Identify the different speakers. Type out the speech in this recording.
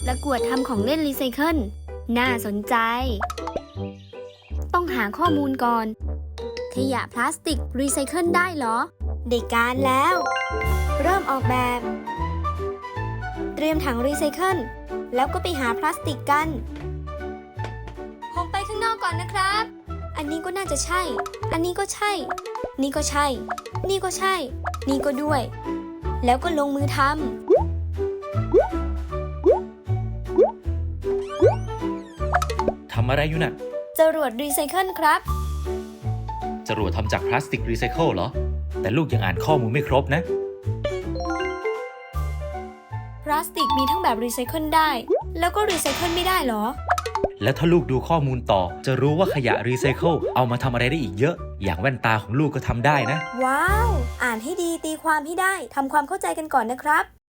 Speaker 1: ประกวดทำของเล่นรีไซเคิลน่าสนใจ ต้องหาข้อมูลก่อน ขยะพลาสติกรีไซเคิลได้เหรอ ได้การแล้ว เริ่มออกแบบ เตรียมถังรีไซเคิลแล้วก็ไปหาพลาสติกกัน ผมไปข้างนอกก่อนนะครับ อันนี้ก็น่าจะใช่ อันนี้ก็ใช่ นี่ก็ใช่ นี่ก็ใช่ นี่ก็ด้วย แล้วก็ลงมือทำ
Speaker 2: ทำอะไรอยู่น่ะ
Speaker 1: จรวดรีไซเคิลครับ
Speaker 2: จรวดทำจากพลาสติกรีไซเคิลเหรอ แต่ลูกยังอ่านข้อมูลไม่ครบนะ
Speaker 1: พลาสติกมีทั้งแบบรีไซเคิลได้ แล้วก็รีไซเคิลไม่ได้เหรอ
Speaker 2: แล้วถ้าลูกดูข้อมูลต่อ จะรู้ว่าขยะรีไซเคิลเอามาทำอะไรได้อีกเยอะ อย่างแว่นตาของลูกก็ทำได้นะ
Speaker 1: ว้าว อ่านให้ดีตีความให้ได้ ทำความเข้าใจกันก่อนนะครับ